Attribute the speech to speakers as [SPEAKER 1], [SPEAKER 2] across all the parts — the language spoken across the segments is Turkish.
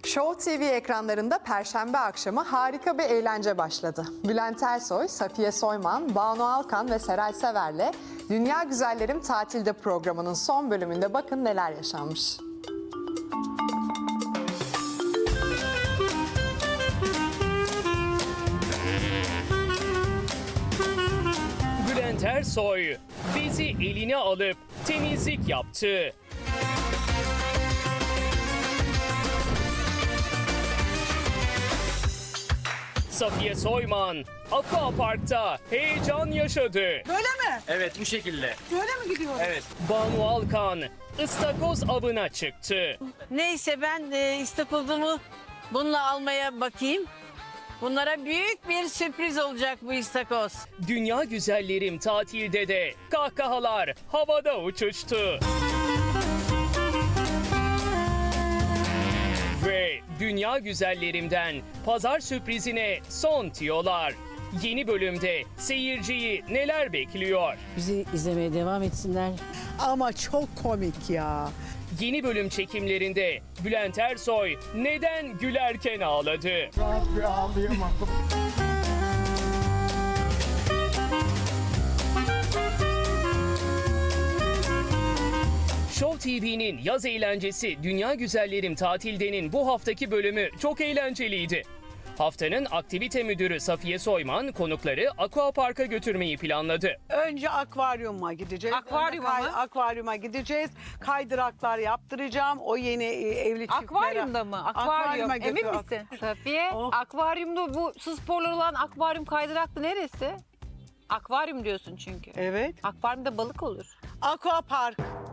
[SPEAKER 1] Show TV ekranlarında Perşembe akşamı harika bir eğlence başladı. Bülent Ersoy, Safiye Soyman, Banu Alkan ve Seray Sever'le Dünya Güzellerim Tatilde programının son bölümünde bakın neler yaşanmış.
[SPEAKER 2] Bülent Ersoy bezi eline alıp temizlik yaptı. Safiye Soyman Aquapark'ta heyecan yaşadı.
[SPEAKER 3] Böyle mi?
[SPEAKER 4] Evet, bu şekilde.
[SPEAKER 3] Böyle mi gidiyoruz?
[SPEAKER 4] Evet.
[SPEAKER 2] Banu Alkan ıstakoz avına çıktı.
[SPEAKER 5] Neyse ben istakozumu bununla almaya bakayım. Bunlara büyük bir sürpriz olacak bu istakoz.
[SPEAKER 2] Dünya Güzellerim Tatilde de kahkahalar havada uçuştu. Ve Dünya Güzellerim'den pazar sürprizine son tiyolar. Yeni bölümde seyirciyi neler bekliyor?
[SPEAKER 5] Bizi izlemeye devam etsinler.
[SPEAKER 3] Ama çok komik ya.
[SPEAKER 2] Yeni bölüm çekimlerinde Bülent Ersoy neden gülerken ağladı? Show TV'nin yaz eğlencesi Dünya Güzellerim Tatilde'nin bu haftaki bölümü çok eğlenceliydi. Haftanın aktivite müdürü Safiye Soyman konukları Aquapark'a götürmeyi planladı.
[SPEAKER 3] Önce akvaryuma gideceğiz.
[SPEAKER 6] Akvaryuma
[SPEAKER 3] Önce
[SPEAKER 6] mı?
[SPEAKER 3] Akvaryuma gideceğiz. Kaydıraklar yaptıracağım. O yeni evli çiftlere.
[SPEAKER 6] Akvaryumda mı? Akvaryum. Emin
[SPEAKER 3] götür-
[SPEAKER 6] misin? Safiye,
[SPEAKER 3] Oh.
[SPEAKER 6] akvaryumda bu su sporları olan akvaryum kaydıraklı neresi? Akvaryum diyorsun çünkü.
[SPEAKER 3] Evet.
[SPEAKER 6] Akvaryumda balık olur.
[SPEAKER 3] Aquapark.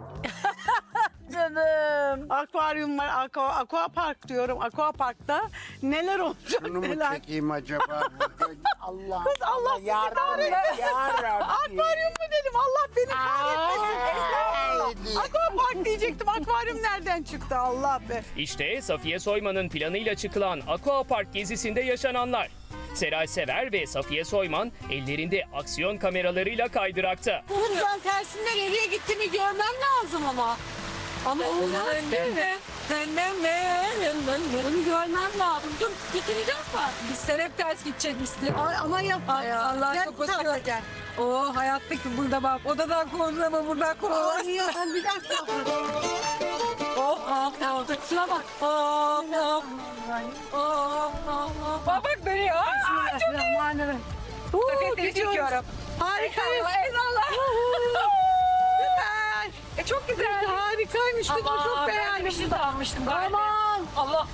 [SPEAKER 6] Canım.
[SPEAKER 3] Akvaryum var. Aquapark diyorum. Aquapark'ta neler olacak
[SPEAKER 7] Bunu mu
[SPEAKER 3] neler.
[SPEAKER 7] çekeyim acaba? Allah
[SPEAKER 3] Kız Allah sizi kahretsin. Akvaryum mu dedim? Allah beni kahretmesin. Estağfurullah. Aquapark diyecektim. Akvaryum nereden çıktı? Allah be.
[SPEAKER 2] İşte Safiye Soyman'ın planıyla çıkılan Aquapark gezisinde yaşananlar. Seray Sever ve Safiye Soyman ellerinde aksiyon kameralarıyla kaydırakta.
[SPEAKER 8] Buradan tersinden nereye gittiğimi görmem lazım ama. Ama olmaz değil mi? Bunu görmem lazım. Dur getireceğim mi? Biz sen hep ters gidecekmişsin.
[SPEAKER 3] Ay, ama yapma
[SPEAKER 8] Ay
[SPEAKER 3] ya.
[SPEAKER 8] Allah
[SPEAKER 3] Gel
[SPEAKER 8] çok
[SPEAKER 3] bu tarafa
[SPEAKER 8] hoşuma
[SPEAKER 3] gel.
[SPEAKER 8] O hayattaki burada bak. Odadan kovulama buradan kovulama.
[SPEAKER 3] Ay ya sen bir dakika.
[SPEAKER 8] Oh oh oh. Şuna bak. Oh oh. Oh oh oh.
[SPEAKER 6] Bak beni. Aa, çok
[SPEAKER 3] Bismillahirrahmanirrahim.
[SPEAKER 6] iyi. Çekiyorum.
[SPEAKER 3] Harikayız.
[SPEAKER 6] Eyvallah.
[SPEAKER 3] Süper.
[SPEAKER 6] Çok güzel.
[SPEAKER 3] Harikaymış. Kızım çok beğendim.
[SPEAKER 6] Bir şey de almıştım.
[SPEAKER 3] Aman.
[SPEAKER 6] Allah.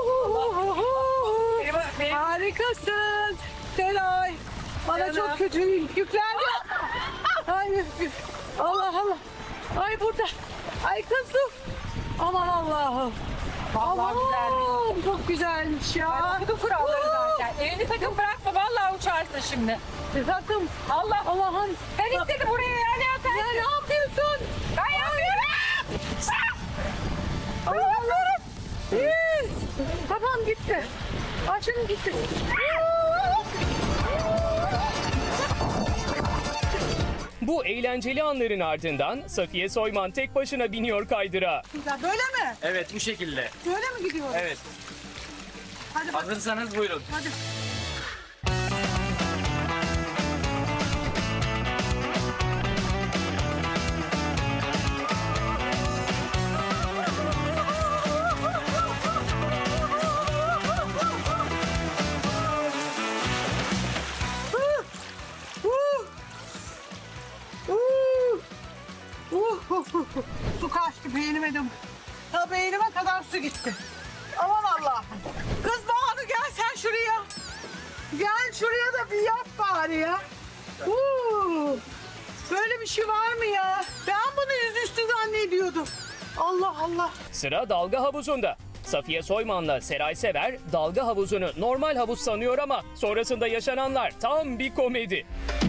[SPEAKER 6] Benim
[SPEAKER 3] Harikasın. Seray. Bana
[SPEAKER 6] Canım.
[SPEAKER 3] çok kötü yüklendi. Ay Allah Allah. Ay burada. Ay kızım. Aman Allah'ım.
[SPEAKER 6] Vallahi güzelmiş.
[SPEAKER 3] Çok güzelmiş ya.
[SPEAKER 6] Bu kuralları zaten. Elini takım bırakma. Vallahi uçarsın şimdi.
[SPEAKER 3] Takım.
[SPEAKER 6] Allah.
[SPEAKER 3] Allah'ım.
[SPEAKER 6] Ben istedim buraya yani.
[SPEAKER 3] Ya ne yapıyorsun?
[SPEAKER 6] Ben yapmıyorum.
[SPEAKER 3] Allah'ım. Yes. Tamam gitti. Açın gitti.
[SPEAKER 2] Bu eğlenceli anların ardından Safiye Soyman tek başına biniyor kaydıra.
[SPEAKER 3] Böyle mi?
[SPEAKER 4] Evet, bu şekilde.
[SPEAKER 3] Böyle mi gidiyoruz?
[SPEAKER 4] Evet.
[SPEAKER 3] Hadi bak.
[SPEAKER 4] Hazırsanız buyurun.
[SPEAKER 3] Hadi. Su kaçtı beynime de. Ta beynime kadar su gitti. Aman Allah'ım. Kız Banu gel sen şuraya. Gel şuraya da bir yap bari ya. Böyle bir şey var mı ya? Ben bunu yüzüstü zannediyordum. Allah Allah.
[SPEAKER 2] Sıra dalga havuzunda. Safiye Soyman'la Seray Sever dalga havuzunu normal havuz sanıyor ama sonrasında yaşananlar tam bir komedi.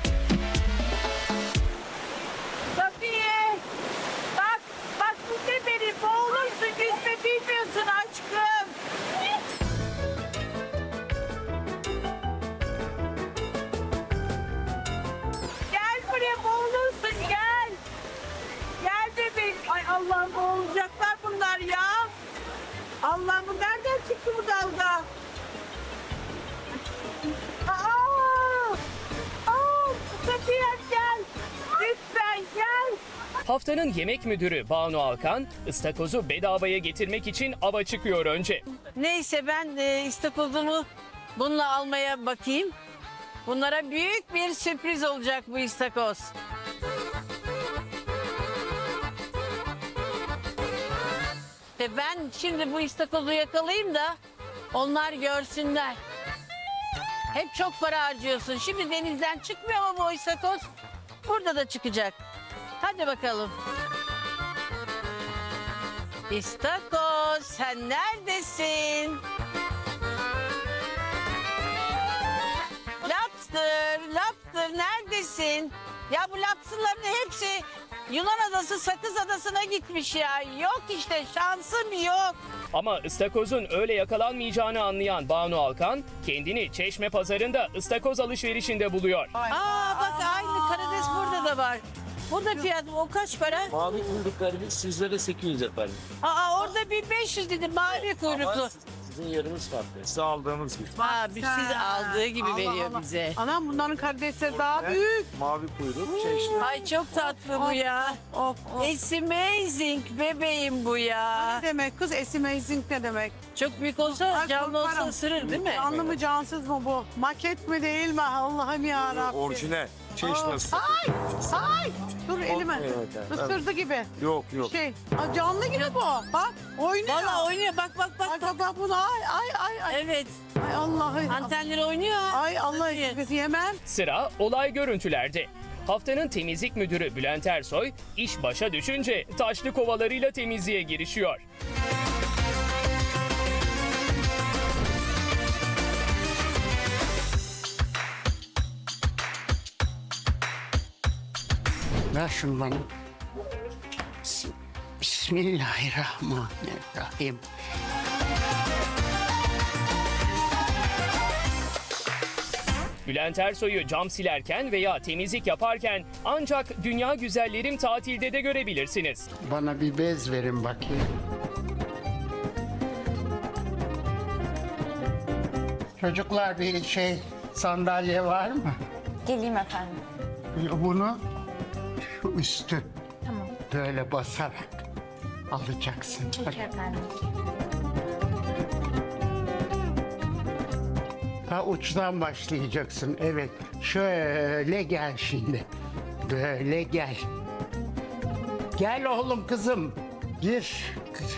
[SPEAKER 5] Safiye. Bak bu ne beni boğulursun yüzme bilmiyorsun aşkım. Gel buraya boğulursun gel. Gel bebeğim. Ay Allah'ım boğulacaklar bunlar ya. Allah'ım bu nereden çıktı
[SPEAKER 2] Haftanın yemek müdürü Banu Alkan, ıstakozu bedavaya getirmek için ava çıkıyor önce.
[SPEAKER 5] Neyse ben istakozumu bununla almaya bakayım. Bunlara büyük bir sürpriz olacak bu istakoz. Ben şimdi bu istakozu yakalayayım da onlar görsünler. Hep çok para harcıyorsun. Şimdi denizden çıkmıyor mu bu istakoz? Burada da çıkacak. Hadi bakalım. İstakoz sen neredesin? Lobster neredesin? Ya bu lobsterların hepsi Yunan adası Sakız adasına gitmiş ya. Yok işte şansım yok.
[SPEAKER 2] Ama ıstakozun öyle yakalanmayacağını anlayan Banu Alkan, kendini Çeşme Pazarı'nda ıstakoz alışverişinde buluyor.
[SPEAKER 5] Aa bak aynı karides burada da var. Burada fiyat o kaç para?
[SPEAKER 4] Mavi kuyruklarımız sizlere 800 efendim.
[SPEAKER 5] Aa orada 1500 dedi mavi kuyruklu.
[SPEAKER 4] Ama sizin yeriniz farklı. Size aldığımız gibi.
[SPEAKER 5] Aa biz siz aldığı gibi
[SPEAKER 3] Allah
[SPEAKER 5] veriyor
[SPEAKER 3] Allah.
[SPEAKER 5] bize.
[SPEAKER 3] Anam bunların karidesleri daha büyük.
[SPEAKER 4] Mavi kuyruk, çeşme.
[SPEAKER 5] Ay çok tatlı bu ya.
[SPEAKER 3] Of of.
[SPEAKER 5] It's amazing bebeğim bu ya.
[SPEAKER 3] Ne demek kız? Amazing ne demek?
[SPEAKER 5] Çok büyük olsa
[SPEAKER 3] Ay,
[SPEAKER 5] canlı olsa
[SPEAKER 3] korkarım.
[SPEAKER 5] ısırır değil mi?
[SPEAKER 3] Canlı mı cansız mı bu? Maket mi değil mi? Allah'ım ya Rabbi.
[SPEAKER 4] Orijinal. Çeşme.
[SPEAKER 3] Ay dur elime.
[SPEAKER 4] Evet,
[SPEAKER 3] Isırdı gibi.
[SPEAKER 4] Yok yok.
[SPEAKER 3] Şey, aa, canlı gibi bu. Bak oynuyor.
[SPEAKER 5] Valla oynuyor bak bak bak.
[SPEAKER 3] Bak bak bunu ay.
[SPEAKER 5] Evet
[SPEAKER 3] Ay Allah'ım.
[SPEAKER 5] antenleri oynuyor.
[SPEAKER 3] Ay Allah biz yemem.
[SPEAKER 2] Sıra olay görüntülerde. Haftanın temizlik müdürü Bülent Ersoy, iş başa düşünce taşlı kovalarıyla temizliğe girişiyor.
[SPEAKER 7] Ver şunu bana. Bismillahirrahmanirrahim.
[SPEAKER 2] Bülent Ersoy'u cam silerken veya temizlik yaparken ancak Dünya Güzellerim Tatil'de de görebilirsiniz.
[SPEAKER 7] Bana bir bez verin bakayım. Çocuklar bir sandalye var mı?
[SPEAKER 9] Geleyim efendim.
[SPEAKER 7] Bunu şu üstü böyle basarak alacaksın. Bak.
[SPEAKER 9] Efendim.
[SPEAKER 7] Ha uçtan başlayacaksın. Evet. Şöyle gel şimdi. Böyle gel. Gel oğlum kızım. Gir.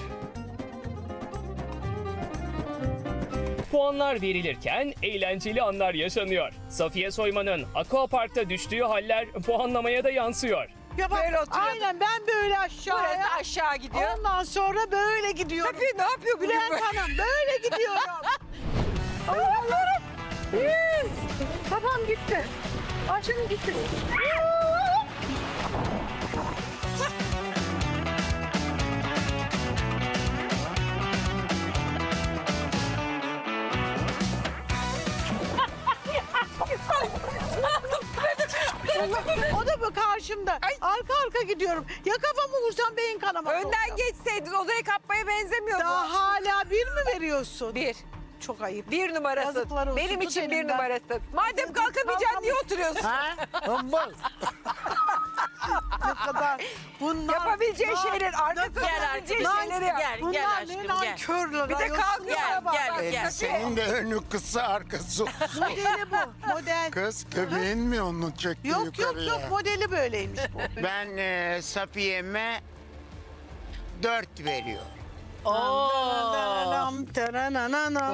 [SPEAKER 2] Puanlar verilirken eğlenceli anlar yaşanıyor. Safiye Soyman'ın Aquapark'ta düştüğü haller puanlamaya da yansıyor.
[SPEAKER 3] Ya bak,
[SPEAKER 8] Böyle oturuyordum.
[SPEAKER 3] aynen ben böyle aşağıya.
[SPEAKER 8] Burası aşağı gidiyor.
[SPEAKER 3] Ondan sonra böyle gidiyorum.
[SPEAKER 8] Tabii ne yapıyor bugün
[SPEAKER 3] Bülent
[SPEAKER 8] böyle?
[SPEAKER 3] Hanım böyle gidiyorum.
[SPEAKER 8] Allah'ım. Babam gitti. Açım gitti.
[SPEAKER 3] O da bu karşımda. Arka arka gidiyorum. Ya kafamı vursam beyin kanaması
[SPEAKER 8] Önden
[SPEAKER 3] olacak.
[SPEAKER 8] geçseydin odaya kapmaya benzemiyor bu.
[SPEAKER 3] Daha hala bir mi veriyorsun?
[SPEAKER 8] Bir.
[SPEAKER 3] Çok ayıp.
[SPEAKER 8] Bir numarasın.
[SPEAKER 3] Yazıklar olsun,
[SPEAKER 8] Benim
[SPEAKER 3] tut
[SPEAKER 8] için bir
[SPEAKER 3] elimden.
[SPEAKER 8] numarasın. Madem kalkamayacaksın niye oturuyorsun?
[SPEAKER 7] Hımbıl.
[SPEAKER 3] Ne kadar. Bunlar.
[SPEAKER 8] Yapabileceğin
[SPEAKER 3] Bunlar-
[SPEAKER 8] şeyler, arkasında
[SPEAKER 5] Gel
[SPEAKER 8] yapabileceğin
[SPEAKER 5] arkadaşım
[SPEAKER 8] şeyleri yap.
[SPEAKER 5] gel gel
[SPEAKER 3] Bunlar
[SPEAKER 5] aşkım
[SPEAKER 3] ne
[SPEAKER 5] gel.
[SPEAKER 3] nankörler.
[SPEAKER 8] Bir de
[SPEAKER 3] ayol.
[SPEAKER 8] kalkıyor.
[SPEAKER 5] Gel,
[SPEAKER 8] bak,
[SPEAKER 5] gel,
[SPEAKER 8] bak.
[SPEAKER 5] gel.
[SPEAKER 7] Senin de önü kısa arkası.
[SPEAKER 3] Modeli bu. Model.
[SPEAKER 7] Kız göbeğin mi onu çekti
[SPEAKER 3] Yok yok
[SPEAKER 7] yukarıya?
[SPEAKER 3] yok modeli böyleymiş bu.
[SPEAKER 7] Ben Safiye'me 4 veriyorum.
[SPEAKER 3] Taranam, tarananam.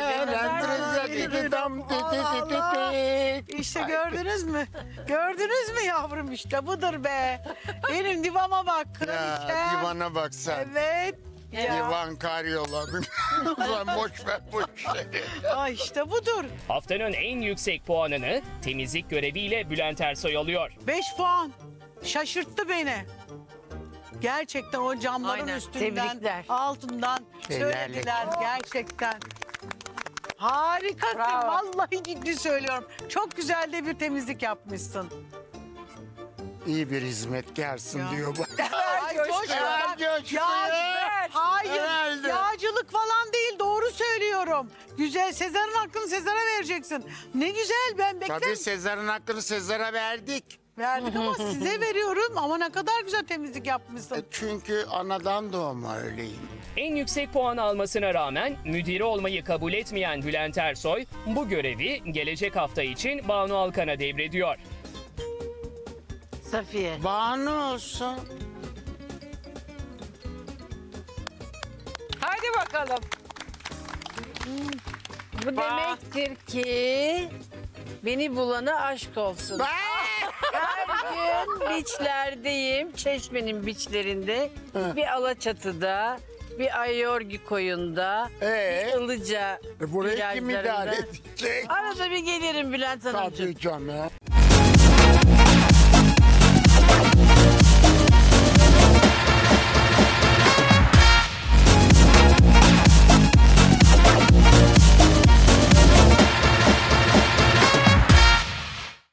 [SPEAKER 3] İşte gördünüz mü? Gördünüz mü yavrum işte budur be. Benim divama bak
[SPEAKER 7] Ya
[SPEAKER 3] kraliçem.
[SPEAKER 7] divana bak sen.
[SPEAKER 3] Evet.
[SPEAKER 7] Divan karyola. Ulan boş ver bu işleri.
[SPEAKER 3] Ay işte budur.
[SPEAKER 2] Haftanın en yüksek puanını temizlik göreviyle Bülent Ersoy alıyor.
[SPEAKER 3] 5 puan. Şaşırttı beni. Gerçekten o camların
[SPEAKER 5] Aynen,
[SPEAKER 3] üstünden,
[SPEAKER 5] tebrikler.
[SPEAKER 3] altından söylediler gerçekten. Harikasın.
[SPEAKER 8] Bravo.
[SPEAKER 3] Vallahi ciddi söylüyorum. Çok güzel de bir temizlik yapmışsın.
[SPEAKER 7] İyi bir hizmetkarsın
[SPEAKER 3] Ya.
[SPEAKER 7] diyor bak.
[SPEAKER 3] Ay,
[SPEAKER 8] coşku.
[SPEAKER 3] coşku.
[SPEAKER 7] Ver
[SPEAKER 3] Bak,
[SPEAKER 7] coşkuyu.
[SPEAKER 3] Hayır.
[SPEAKER 7] Herhalde.
[SPEAKER 3] Yağcılık falan değil. Doğru söylüyorum. Güzel. Sezar'ın hakkını Sezar'a vereceksin. Ne güzel. Ben beklerim.
[SPEAKER 7] Tabii Sezar'ın hakkını Sezar'a verdik.
[SPEAKER 3] Verdik ama size veriyorum. Ama ne kadar güzel temizlik yapmışsın.
[SPEAKER 7] Çünkü anadan doğma öyleyim.
[SPEAKER 2] En yüksek puan almasına rağmen müdiri olmayı kabul etmeyen Bülent Ersoy bu görevi gelecek hafta için Banu Alkan'a devrediyor.
[SPEAKER 5] Safiye.
[SPEAKER 7] Banu olsun.
[SPEAKER 6] Haydi bakalım.
[SPEAKER 5] Bu demektir ki beni bulana aşk olsun. Her gün biçlerdeyim. Çeşmenin biçlerinde. Bir Alaçatı'da, bir Ayorgi koyunda, bir Ilıca
[SPEAKER 7] Burayı kim idare
[SPEAKER 5] virajlarında.
[SPEAKER 7] edecek?
[SPEAKER 5] Arada bir gelirim Bülent Hanımcığım.
[SPEAKER 7] Tabii canım.